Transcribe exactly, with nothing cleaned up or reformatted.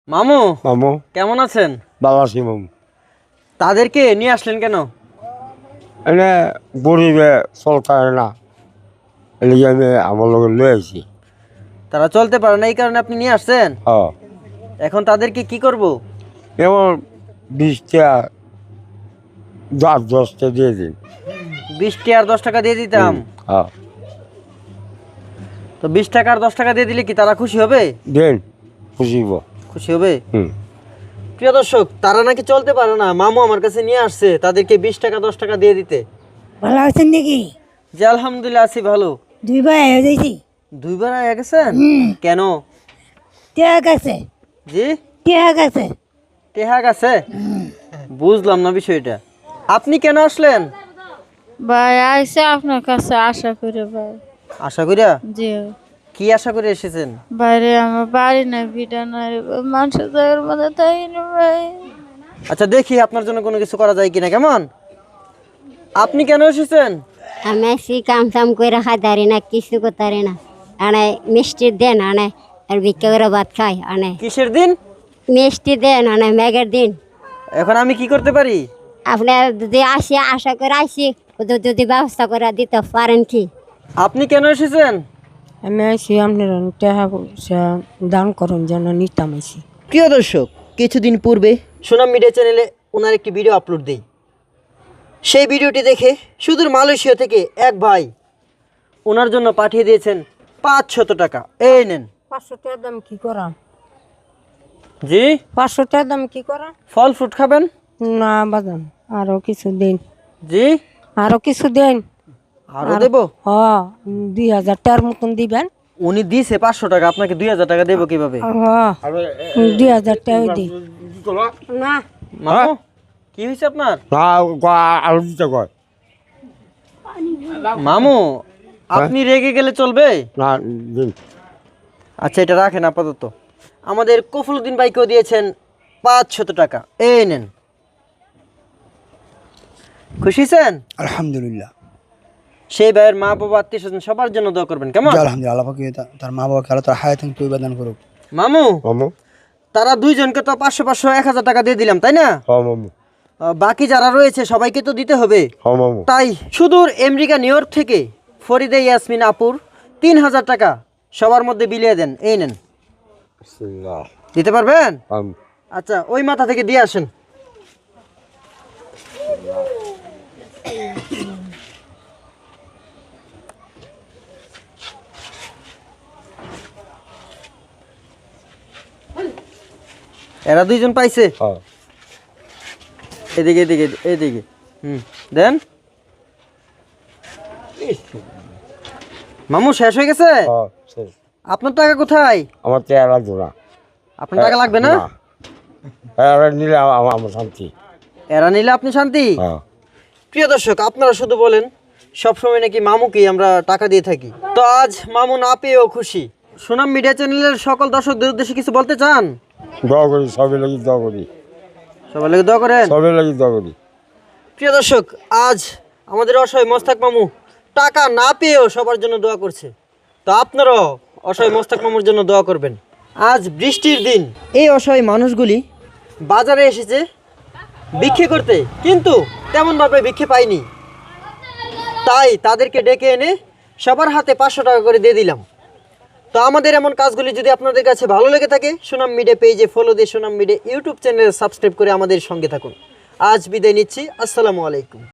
মামু মামু কেমন আছেন? ভালো আছি মামু। তাদেরকে নিয়ে আসলেন কেন? এনে গরিবে চলতে না, এলিগে আমি আমার লগে লই আইছি। তারা চলতে পারে না, এই কারণে আপনি নিয়ে আসছেন। হ্যাঁ, এখন তাদেরকে কি করব? এমন বিশটা দশ দশটা দিয়ে দিন। বিশটি আর দশ টাকা দিয়ে দিতাম। হ্যাঁ, তো বিশ টাকা আর দশ টাকা দিয়ে দিলে কি তারা খুশি হবে? দেন খুশিব। খুশি হবে। হুম, প্রিয় দর্শক, তারা নাকি চলতে পারে না, মামু আমার কাছে নিয়ে আসছে তাদেরকে বিশ টাকা দশ টাকা দিয়ে দিতে। ভালো আছেন নাকি? জি আলহামদুলিল্লাহ আছি ভালো। দুই ভাই হয়ে যাইছি। দুইবার আয়া গেছেন কেন? টেহা গেছে, জি টেহা গেছে। টেহা গেছে, বুঝলাম না বিষয়টা। আপনি কেন আসলেন? ভাই আইসে আপনার কাছে আশা করে ভাই। আশা করিয়া? জি কি আশা করে এসেছেন? বাইরে আমার বাড়ি নাই, ভিটা নাই, মানুষের জায়গার মধ্যে তাই না ভাই। আচ্ছা দেখি আপনার জন্য কোনো কিছু করা যায় কিনা। কেমন, আপনি কেন এসেছেন? আমি আছি কাম সাম করে খাইতারি না, কিছু করতারি না। আনে মিষ্টির দেন আনে, আর ভিক্ষা করে ভাত খাই আনে। কিসের দিন? মিষ্টি দেন আনে মেঘের দিন। এখন আমি কি করতে পারি? আপনি যদি আসি আশা করে আসি, যদি যদি ব্যবস্থা করে দিতে পারেন কি? আপনি কেন এসেছেন? আমি আইসি আপনার টেহা পয়সা দান করুন যেন নিতাম আইসি। প্রিয় দর্শক, কিছুদিন পূর্বে সুনাম মিডিয়া চ্যানেলে ওনার একটি ভিডিও আপলোড দেই। সেই ভিডিওটি দেখে সুদূর মালয়েশিয়া থেকে এক ভাই ওনার জন্য পাঠিয়ে দিয়েছেন পাঁচশত টাকা। এই নেন। পাঁচশো টাকার দাম কি করা? জি, পাঁচশো টাকার দাম কি করা? ফল ফ্রুট খাবেন? না বাদাম, আরো কিছু দিন, জি, আরো কিছু দিন। আরো দেব। হ, দুই হাজার টাকার মতন দিবেন। উনি দিছে পাঁচশো টাকা, আপনাকে দুই হাজার টাকা দেবো কিভাবে? হ, দুই হাজার টাকা দিই না। মামু কি হয়েছে আপনার? না আরো দিতে কয় মামু আপনি রেগে গেলে চলবে? না, দিন। আচ্ছা এটা রাখেন আপাতত। আমাদের কফলুদ্দিন ভাইকেও দিয়েছেন পাঁচশত টাকা। এই নেন। খুশি হয়েছেন? আলহামদুলিল্লাহ। সেই ভাইয়ের মা বাবা আত্মীয় স্বজন সবার জন্য দোয়া করবেন। কেমন? জি, আলহামদুলিল্লাহ। আল্লাহ পাক তা- তার মা বাবাকে আল্লাহ তার হায়াত এবং তৈবা দান করুক। মামু মামু, তারা দুইজনকে তো পাঁচশো পাঁচশো এক হাজার টাকা দিয়ে দিলাম, তাই না? হ্যাঁ মামু, আহ, বাকি যারা রয়েছে সবাইকে তো দিতে হবে। হ্যাঁ মামু। তাই সুদূর আমেরিকা নিউ ইয়র্ক থেকে ফরিদে ইয়াসমিন আপুর তিন হাজার টাকা সবার মধ্যে বিলিয়ে দেন। এই নেন। বিসমিল্লাহ। দিতে পারবেন? মামু, আচ্ছা ওই মাথা থেকে দিয়ে আসেন। এরা দুইজন পাইছে। হ্যাঁ, এদিকে এদিকে এদিকে হুম দেন। মামু শেষ হয়ে গেছে? হ্যাঁ, শেষ। আপনার টাকা কোথায়? আমার চেয়ার লাগবে না। আপনার টাকা লাগবে না? এরা নিলে আমার আমার শান্তি। এরা নিলে আপনি শান্তি। হ্যাঁ, প্রিয় দর্শক, আপনারা শুধু বলেন সবসময় নাকি মামুকেই আমরা টাকা দিয়ে থাকি। তো আজ মামু না পেয়েও খুশি। সুনাম মিডিয়া চ্যানেলের সকল দর্শকদের উদ্দেশ্যে কিছু বলতে চান? দোয়া করি, সবে লাগি দোয়া করি, সবাই লাগে দোয়া করেন। সবে লাগি দোয়া করি। প্রিয় দর্শক, আজ আমাদের অসহায় মোস্তাক মামু টাকা না পেয়েও সবার জন্য দোয়া করছে। তো আপনারাও অসহায় মোস্তাক মামুর জন্য দোয়া করবেন। আজ বৃষ্টির দিন এই অসহায় মানুষগুলি বাজারে এসেছে ভিক্ষে করতে, কিন্তু তেমনভাবে ভিক্ষে পায়নি। তাই তাদেরকে ডেকে এনে সবার হাতে পাঁচশো টাকা করে দিয়ে দিলাম। তো আমাদের এমন কাজগুলি যদি আপনাদের কাছে ভালো লেগে থাকে, সুনাম মিডিয়া পেজে ফলো দিয়ে সুনাম মিডিয়া ইউটিউব চ্যানেলে সাবস্ক্রাইব করে আমাদের সঙ্গে থাকুন। আজ বিদায় নিচ্ছি। আসসালামু আলাইকুম।